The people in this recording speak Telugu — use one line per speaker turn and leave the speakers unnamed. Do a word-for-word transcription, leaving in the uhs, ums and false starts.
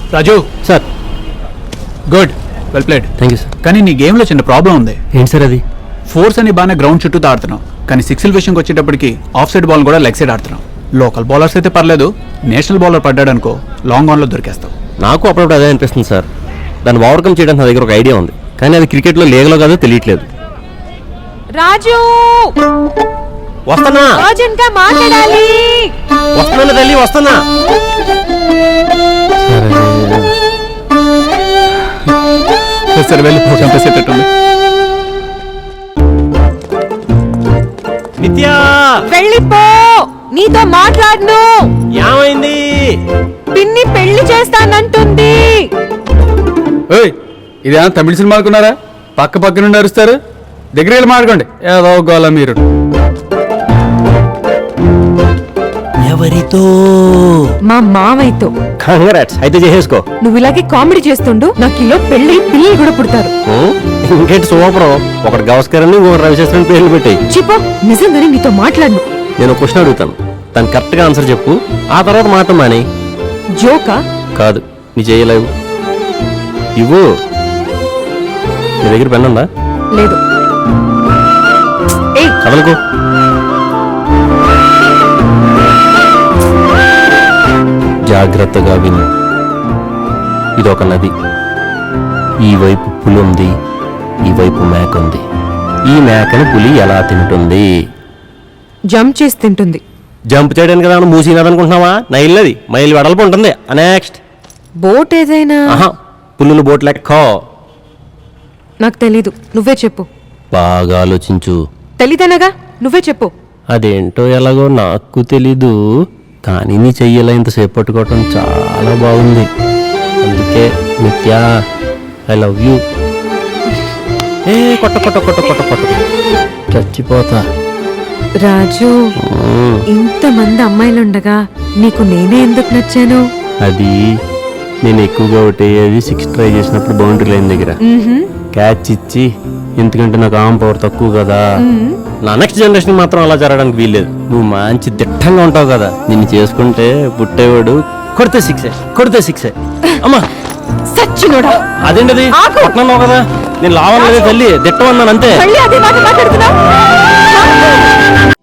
Raju
sir.
Good, well played.
Thank you sir.
కానీ నీ గేమ్లో చిన్న ప్రాబ్లం ఉంది.
ఏంటి సార్ అది?
ఫోర్స్ అని బాగానే గ్రౌండ్ చుట్టూ ఆడుతున్నావు, కానీ సిక్స్ల విషయంకి వచ్చేటప్పటికి ఆఫ్ సైడ్ బాల్ కూడా లెగ్ సైడ్ ఆడుతున్నావు. లోకల్ బౌలర్స్ అయితే పర్లేదు, నేషనల్ బౌలర్ పడ్డాడు అనుకో లాంగ్ ఆన్లో దొరికేస్తావు.
నాకు అప్పుడప్పుడు అదే అనిపిస్తుంది సార్. దాన్ని ఓవర్కమ్ చేయడానికి నా దగ్గర ఒక ఐడియా ఉంది, కానీ అది క్రికెట్లో లీగలో కాదో తెలియట్లేదు.
రాజు
వస్తున్నా
అర్జెంట్ గా మాట్లాడాలి.
వస్తున్నా తల్లి వస్తున్నా.
సరే వెళ్ళి చంపేసేటట్టుంది.
నిత్యా
వెళ్ళిపో, నీతో మాట్లాడను.
ఏమైంది?
పిన్ని పెళ్లి చేస్తానంటుంది.
ఇదేనా తమిళ సినిమా అనుకున్నారా? పక్క పక్క నుండి అరుస్తారు, దగ్గర వెళ్ళి మాట్లాడుకోండి. ఏదో గోల మీరు.
ఎవరితో?
మా మామయ్యతో.
కంగ్రాట్స్, అయితే చేసేసుకో.
నువ్వు ఇలాగే కామెడీ చేస్తుండు, నాకు ఇలా పెళ్లి పిల్లలు కూడా పుడతారు.
ఇంకేంటి సూపరం. ఒకటి గవస్కరని ఇంకొకటి రవిశాస్త్రిని పేర్లు పెట్టాయి.
చిపో, నిజంగానే నీతో మాట్లాడను.
నేను క్వశ్చన్ అడుగుతాను, దాని కరెక్ట్ గా ఆన్సర్ చెప్పు, ఆ తర్వాత మాట మాని.
జోకా?
కాదు, నీ చేయలేవు. ఇవ్వు. నీ దగ్గర పెన్ ఉందా?
లేదు. ఏయ్
కదలకు. జాగ్రత్తగా విను. ఇదొక నది. ఈ వైపు పులి ఉంది, ఈ వైపు మేక ఉంది. ఈ మేకను పులి ఎలా తింటుంది?
జంప్ చేసి తింటుంది.
జంప్ చేయడానికి కదా మూసినదనుకుంటున్నావా? నైల్లది మైలు వెడల్పు ఉంటుంది. నెక్స్ట్
బోట్ ఏదైనా?
ఆహా, పుల్లులు బోట్ లెక్క.
నాకు తెలీదు, నువ్వే చెప్పు.
బాగా ఆలోచించు.
తెలీదనగా నువ్వే చెప్పు.
అదేంటో ఎలాగో నాకు తెలీదు, కానీ నీ చెయ్యలా ఇంతసేపు పట్టుకోవటం చాలా బాగుంది. అందుకే నిత్యా, ఐ లవ్ యూ. ఏ కొట్ట కొట్ట కొట్ట కొట్ట కొట్ట చచ్చిపోతా.
రాజు, ఇంతమంది అమ్మాయిలుండగా నీకు నేనే ఎందుకు నచ్చాను?
అది నేను ఎక్కువగా ఒకటి అది సిక్స్ ట్రై చేసినప్పుడు బౌండరీ లైన్ దగ్గర క్యాచ్ ఇచ్చి, ఎందుకంటే నాకు ఆమ్ పవర్ తక్కువ కదా. నా నెక్స్ట్ జనరేషన్ మాత్రం అలా జరగడానికి వీల్లేదు. నువ్వు మంచి దిట్టంగా ఉంటావు కదా, నిన్ను చేసుకుంటే పుట్టేవాడు కొడితే సిక్సే, కొడితే సిక్సే. అమ్మా
సచ్చినోడా!
అదేంటది పట్నంలో కదా, నేను లావలేదు తల్లి, దిట్టం అన్నాను అంతే.